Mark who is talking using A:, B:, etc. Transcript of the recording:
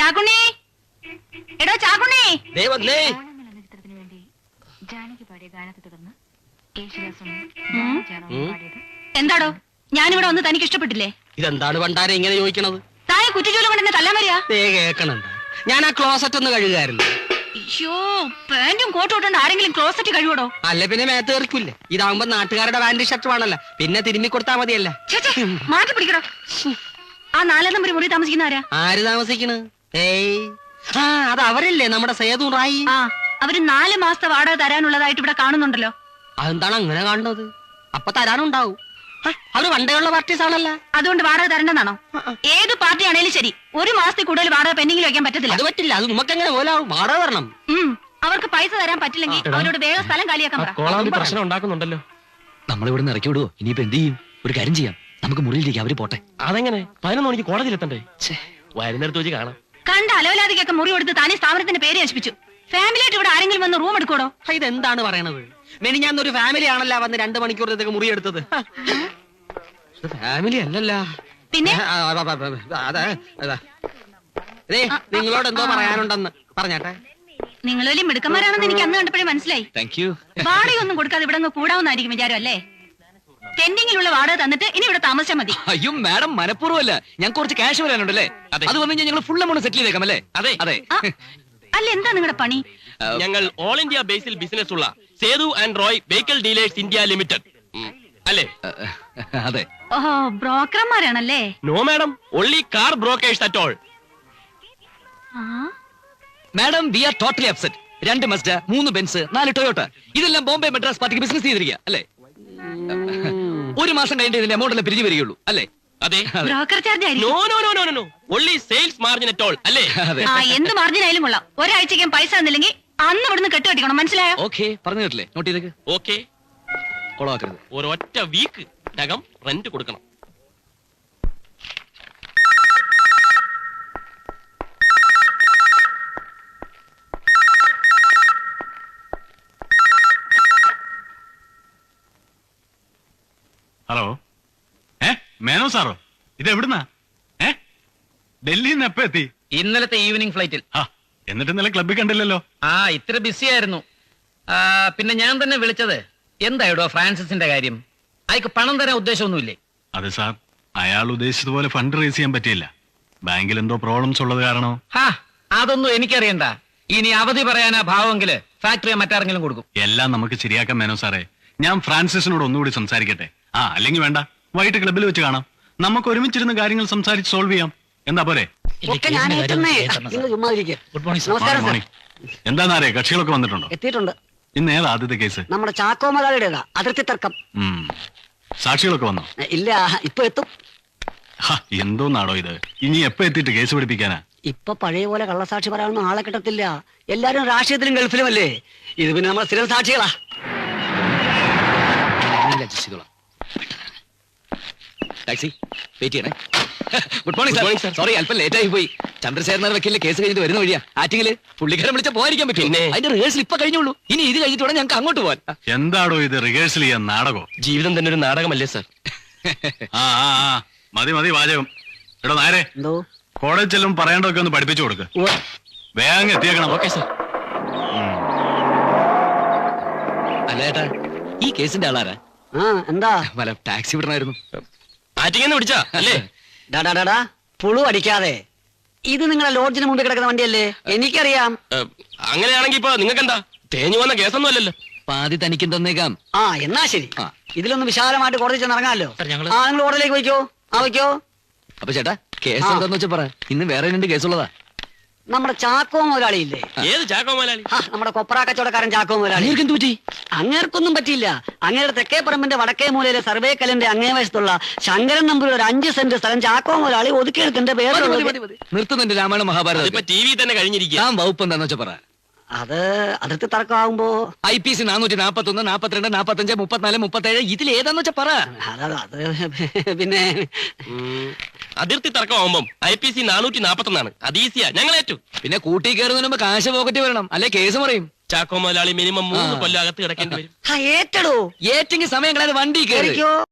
A: ചാക്കുണ്ണി, എടോ ചാക്കുണ്ണി.
B: ചിത്രത്തിന് വേണ്ടി ജാനകി പാടിയ ഗാനത്തെ തുടർന്ന് യേശുദാസും പാടിയത്.
A: എന്താടോ ഞാനിവിടെ വന്ന് തനിക്ക് ഇഷ്ടപ്പെട്ടില്ലേ?
C: ഇതെന്താണ് പണ്ടാരെ ഇങ്ങനെ ചോദിക്കണത്?
A: താനെ കുറ്റിച്ചോലും കൊണ്ട് എന്നെ തല്ലാൻ വരിക?
C: കേക്കണുണ്ട്, ഞാൻ ആ ക്ലോസറ്റ് ഒന്ന് കഴുകായിരുന്നു.
A: അയ്യോ, പാന്റും കോട്ടും ഇട്ടുകൊണ്ട് ആരെങ്കിലും ക്ലോസറ്റ് കഴിവടോ?
C: അല്ല പിന്നെ മേത്ത് കയറിക്കില്ലേ? ഇതാവുമ്പോ നാട്ടുകാരുടെ പാന്റ് ഷർട്ട് വേണല്ലോ, പിന്നെ തിരുമ്മി കൊടുത്താ മതിയല്ല.
A: മാറ്റി പിടിക്കടോ. ആ 4 നമ്പർ മുറി താമസിക്കുന്ന ആരാ?
C: ആര് താമസിക്കണ്? ഏയ്, ആ അത് അവരല്ലേ നമ്മുടെ സേതു റായി.
A: ആ, അവര് 4 മാസത്തെ വാടക തരാനുള്ളതായിട്ട് ഇവിടെ കാണുന്നുണ്ടല്ലോ.
C: അതെന്താണ് അങ്ങനെ കാണുന്നത്? അപ്പൊ തരാനുണ്ടാവും. അവര് പണ്ടേയുള്ള പാർട്ടീസ് ആണല്ലോ.
A: അതുകൊണ്ട് വാടക തരണ്ടെന്നാണോ? ഏത് പാർട്ടി ആണേലും ശരി, 1 മാസത്തിൽ കൂടുതൽ വാടക പെൻഡിങ്ങിൽ വെക്കാൻ പറ്റത്തില്ല.
C: അത് പറ്റില്ല, അത് നമുക്കെങ്ങനെ പോലാവും, വാടക തരണം.
A: അവർക്ക് പൈസ തരാൻ പറ്റില്ലെങ്കിൽ അവരോട് വേഗം സ്ഥലം കാലിയാക്കാൻ പറ.
D: പ്രശ്നം ഉണ്ടാക്കുന്നുണ്ടല്ലോ.
E: നമ്മളിവിടെ നിന്ന് ഇറക്കി വിടുവോ? ഇനിയിപ്പോ എന്ത് ചെയ്യും? ഒരു കാര്യം ചെയ്യാം, നമുക്ക് മുറിയിലേക്ക് അവര് പോട്ടെ.
D: അതെങ്ങനെ? 11 മണിക്ക് കോടതിയിലെത്തണ്ടേ? വരുന്നിടത്ത് വെച്ച് കാണാം.
A: കണ്ട അലവലാതിക്കൊക്കെ മുറി കൊടുത്ത് താനേ സ്ഥാപനത്തിന്റെ പേര് നശിപ്പിച്ചു. ഫാമിലിയായിട്ട് ഇവിടെ ആരെങ്കിലും വന്ന് റൂം എടുക്കോടോ?
C: ഇതെന്താണ് പറയണത്? മെനിഞ്ഞാന്നൊരു ഫാമിലി ആണല്ലോ വന്ന് 2 മണിക്കൂറത്തേക്ക് മുറി എടുത്തത്. ഫാമിലി അല്ലല്ല.
A: പിന്നെ
C: നിങ്ങളോട് എന്തോ പറയാനുണ്ടെന്ന് പറഞ്ഞാട്ടെ.
A: നിങ്ങൾ വലിയ മിടുക്കന്മാരാണെന്ന് എനിക്ക് അന്ന് കണ്ടപ്പോഴേ മനസ്സിലായി. വാടകയൊന്നും കൊടുക്കാതെ ഇവിടെ കൂടാവുന്നായിരിക്കും വിചാരം അല്ലേ? പെൻഡിങ്ങിലുള്ള വാടക തന്നിട്ട് ഇനി ഇവിടെ താമസിച്ചാൽ മതി.
E: അയ്യോ മാഡം, മനഃപൂർവ്വമല്ല, ഞാൻ കുറച്ച് ക്യാഷ് വരാനുണ്ടല്ലേ, അത് വന്നു ഞങ്ങൾ ഫുൾ എമൗണ്ട് സെറ്റിൽ ചെയ്തേക്കാം അല്ലേ?
D: അതെ
E: അതെ.
A: അല്ല, എന്താ നിങ്ങളുടെ പണി?
D: ഞങ്ങൾ ഓൾ ഇന്ത്യ ബേസിൽ ബിസിനസ് ഉള്ള Sethu and Roy vehicle dealers India limited അല്ലേ?
E: അതെ.
A: ഓഹോ, ബ്രോക്കർമാരാണല്ലേ?
D: No madam, only car brokers at all.
E: Madam, we are totally upset. 2 Mazda, 3 Benz, 4 Toyota, ഇതെല്ലാം ബോംബെ മദ്രാസ് പാർട്ടിക്ക് ബിസിനസ് ചെയ്തിരിക്കുക അല്ലേ? 1 മാസം കഴിഞ്ഞിട്ട് ഇതിന്റെ എമൗണ്ട് എല്ലാം പിരിഞ്ഞു വരികയുള്ളൂ അല്ലേ?
D: അതെ.
A: Broker charge
D: no no no no no, only sales margin at all അല്ലേ?
A: എന്ത് മാർജിൻ ആയാലും കൊള്ളാം. ഒരാഴ്ചയ്ക്കും പൈസ തന്നില്ലെങ്കിൽ അന്ന് ഇവിടുന്ന് കെട്ടുകെട്ടിക്കണം, മനസ്സിലായോ?
E: ഓക്കെ, പറഞ്ഞു കേട്ടില്ലേ? നോട്ട് ചെയ്തേക്ക്.
D: ഓക്കെ,
E: കൊളവാക്കരുത്.
D: ഒരൊറ്റ വീക്ക് നകം റെന്റ് കൊടുക്കണം.
F: ഹലോ, മേനോ സാറോ? ഇത് എവിടുന്നാ? ഡൽഹിയിൽ നിന്ന് എപ്പോ എത്തി?
G: ഇന്നലത്തെ ഈവനിങ് ഫ്ലൈറ്റിൽ.
F: എന്നിട്ട് ഇന്നലെ ക്ലബ്ബിൽ കണ്ടില്ലല്ലോ.
G: ഇത്ര ബിസി ആയിരുന്നു. പിന്നെ ഞാൻ തന്നെ വിളിച്ചത് എന്തായിടോ ഫ്രാൻസിന്റെ കാര്യം? അയക്ക് പണം തരാൻ ഉദ്ദേശമൊന്നുമില്ലേ?
F: അതെ സാർ, അയാൾ ഉദ്ദേശിച്ചതുപോലെ ഫണ്ട് റേസ് ചെയ്യാൻ പറ്റിയില്ല. ബാങ്കിൽ എന്തോ പ്രോബ്ലംസ് ഉള്ളത് കാരണോ?
G: അതൊന്നും എനിക്കറിയണ്ട. ഇനി അവധി പറയാനാ ഭാവമെങ്കില് ഫാക്ടറി മറ്റാരെങ്കിലും കൊടുക്കും.
F: എല്ലാം നമുക്ക് ശരിയാക്കാം മേനോ സാറേ. ഞാൻ ഫ്രാൻസിസിനോട് ഒന്നുകൂടി സംസാരിക്കട്ടെ. അല്ലെങ്കിൽ വേണ്ട, വൈകിട്ട് ക്ലബ്ബിൽ വെച്ച് കാണാം. നമുക്ക് ഒരുമിച്ചിരുന്ന് കാര്യങ്ങൾ സംസാരിച്ച് സോൾവ് ചെയ്യാം. എന്താ പോരെ?
H: നമസ്കാരം സർ.
F: എന്താന്നറിയ, കക്ഷികളൊക്കെ വന്നിട്ടുണ്ടോ?
H: എത്തിയിട്ടുണ്ട്.
F: ഇന്ന് ഏതാ ആദ്യത്തെ കേസ്?
H: നമ്മുടെ ചാക്കോ മുതലാളിയുടേതാ, അതിർത്തി തർക്കം.
F: സാക്ഷികളൊക്കെ വന്നോ?
H: ഇല്ല, ഇപ്പൊ എത്തും.
F: എന്തോന്നാടോ ഇത്? ഇനി എപ്പോ എത്തിയിട്ട് കേസ് പിടിപ്പിക്കാനാ?
H: ഇപ്പൊ പഴയ പോലെ കള്ളസാക്ഷി പറയാനൊന്നും ആളെ കിട്ടത്തില്ല. എല്ലാരും രാഷ്ട്രീയത്തിലും ഗൾഫിലും അല്ലേ. ഇത് പിന്നെ നമ്മൾ സ്ഥിരം സാക്ഷികളാ.
E: ടാക്സി വെയിറ്റ് ചെയ്യണേ. Good morning sir. സോറി, അല്പം ലേറ്റ് ആയി പോയി. ചന്ദ്രശേഖരൻ വക്കീലിന്റെ കേസ് കഴിഞ്ഞിട്ട് വരുന്ന വഴിയാ. ആറ്റിങ്ങില് പുള്ളിക്കാരൻ വിളിച്ച പോകാതിരിക്കാൻ പറ്റും. അതിന്റെ റിഹേഴ്സൽ ഇപ്പൊ കഴിഞ്ഞുള്ളൂ. ഇനി ഇത് കഴിഞ്ഞിട്ട് വേണം ഞങ്ങൾക്ക് അങ്ങോട്ട് പോവാൻ.
F: എന്താടോ ഇത്, റിഹേഴ്സൽ ചെയ്യാൻ നാടകോ?
D: ജീവിതം തന്നെ ഒരു നാടകമല്ലേ സാർ?
F: മതി മതി വാചകം. എടോ നേരെ
H: എന്തോ
F: കോളേജ് ചെല്ലും പറയേണ്ടതൊക്കെ ഒന്ന് പഠിപ്പിച്ചു കൊടുക്ക്. വേഗം എത്തിയേക്കണം.
D: Okay sir.
E: അല്ല ഏട്ടാ, ഈ കേസിന്റെ ആളാരാ?
H: എന്താ?
E: വല്ല ടാക്സി വിടണമായിരുന്നു.
D: ആറ്റിങ്ങന്ന് വിളിച്ചാ അല്ലേ?
H: ഡാ പുളു അടിക്കാതെ. ഇത് നിങ്ങളെ ലോഡ്ജിന് മുമ്പിൽ കിടക്കുന്ന വണ്ടിയല്ലേ? എനിക്കറിയാം.
D: അങ്ങനെയാണെങ്കിൽ ഇപ്പൊ നിങ്ങൾക്ക് എന്താ, തേഞ്ഞു വന്ന കേസൊന്നും അല്ലല്ലോ.
E: പാതി തനിക്കും തന്നേക്കാം.
H: എന്നാ ശരി. ഇതിലൊന്ന് വിശാലമായിട്ട് കോടതി ചെന്ന് ഇറങ്ങാമല്ലോ. നിങ്ങൾ കോടതിയിലേക്ക് വയ്ക്കോ. വയ്ക്കോ.
E: അപ്പൊ ചേട്ടാ, കേസ് എന്താന്ന് വെച്ചാ പറ. ഇന്ന് വേറെ 2 കേസുള്ളതാ.
H: നമ്മുടെ ചാക്കോ മുതലാളിയില്ലേ?
D: ഏത് ചാക്കോ മുതലാളി?
H: നമ്മുടെ കൊപ്ര കച്ചവടക്കാരൻ ചാക്കോ മുതലാളി. അങ്ങേർക്കൊന്നും പറ്റിയില്ല. അങ്ങേരുടെ തെക്കേ പറമ്പിന്റെ വടക്കേ മൂലയിലെ സർവേ കല്ലിന്റെ അങ്ങേ വശത്തുള്ള ശങ്കരൻ നമ്പൂരി ഒരു 5 സെന്റ് സ്ഥലം ചാക്കോ മുതലാളി ഒതുക്കിയെടുത്തിന്റെ പേര്
E: നിർത്തുന്നുണ്ട്. രാമായണ മഹാഭാരതം
D: ഇപ്പൊ ടി വി തന്നെ കഴിഞ്ഞിരിക്കുക.
E: വകുപ്പ് എന്താന്ന് വെച്ചാ പറ.
H: അത് അതിർത്തി തർക്കമാകുമ്പോ
E: IPC 441, 42, 45, 34, 37 ഇതിൽ ഏതാന്ന് വെച്ചാ പറ.
H: അത് പിന്നെ
D: അതിർത്തി തർക്കമാകുമ്പം IPC 441 അത് ഈസിയാ, ഞങ്ങൾ ഏറ്റു.
E: പിന്നെ കൂട്ടി കയറുന്നതിന് മുമ്പ് കാശ് പോക്കറ്റ് വരണം, അല്ലെ കേസ് പറയും.
D: ചാക്കോ മുതലാളി മിനിമം 3 കൊല്ലം അകത്ത് കിടക്കേണ്ടി വരും.
H: ഏറ്റെടോ.
E: ഏറ്റെങ്കിൽ സമയം കളയാതെ വണ്ടി കയറിക്കോ.